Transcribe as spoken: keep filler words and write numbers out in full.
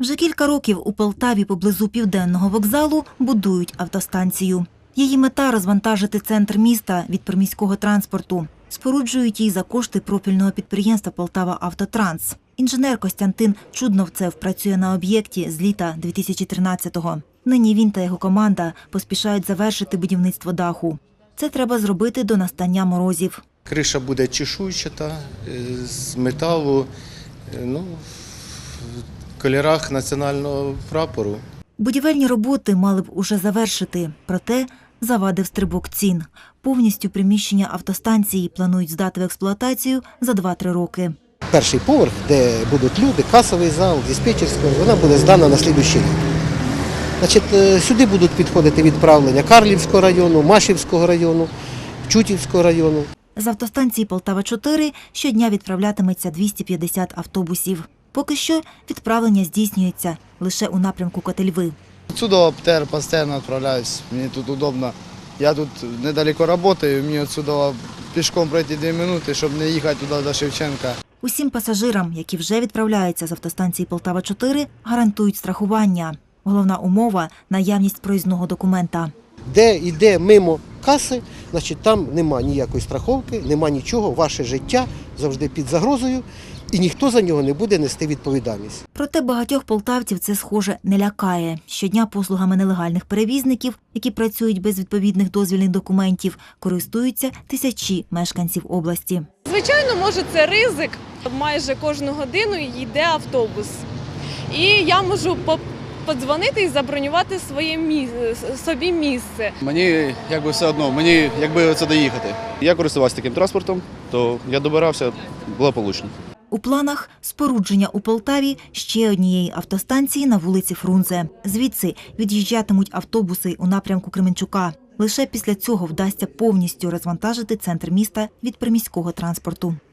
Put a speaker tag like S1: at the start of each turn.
S1: Вже кілька років у Полтаві поблизу Південного вокзалу будують автостанцію. Її мета – розвантажити центр міста від приміського транспорту. Споруджують її за кошти профільного підприємства «Полтава-Автотранс». Інженер Костянтин Чудновцев працює на об'єкті з літа дві тисячі тринадцятого. Нині він та його команда поспішають завершити будівництво даху. Це треба зробити до настання морозів.
S2: Криша буде чешуйчата, з металу, ну, в кольорах національного прапору.
S1: Будівельні роботи мали б уже завершити, проте завадив стрибок цін. Повністю приміщення автостанції планують здати в експлуатацію за два-три роки.
S3: Перший поверх, де будуть люди, касовий зал, диспетчерський, вона буде здана на слідуючий рік. Значить, сюди будуть підходити відправлення Карлівського району, Машівського району, Чутівського району.
S1: З автостанції Полтава-чотири щодня відправлятиметься двісті п'ятдесят автобусів. Поки що відправлення здійснюється лише у напрямку Котельви.
S4: Отсюда птер постійно відправляюсь, мені тут удобно. Я тут недалеко працюю, мені отсюда пішком пройти дві хвилини, щоб не їхати туди до Шевченка.
S1: Усім пасажирам, які вже відправляються з автостанції Полтава-чотири, гарантують страхування. Головна умова – наявність проїзного документа.
S3: Де йде мимо каси, значить там нема ніякої страховки, нема нічого, ваше життя завжди під загрозою, і ніхто за нього не буде нести відповідальність.
S1: Проте багатьох полтавців це, схоже, не лякає. Щодня послугами нелегальних перевізників, які працюють без відповідних дозвільних документів, користуються тисячі мешканців області.
S5: Звичайно, може це ризик. Майже кожну годину йде автобус. І я можу подзвонити і забронювати своє місце, собі місце.
S6: Мені якби все одно, мені якби це доїхати. Я користувався таким транспортом, то я добирався благополучно.
S1: У планах спорудження у Полтаві ще однієї автостанції на вулиці Фрунзе. Звідси від'їжджатимуть автобуси у напрямку Кременчука. Лише після цього вдасться повністю розвантажити центр міста від приміського транспорту.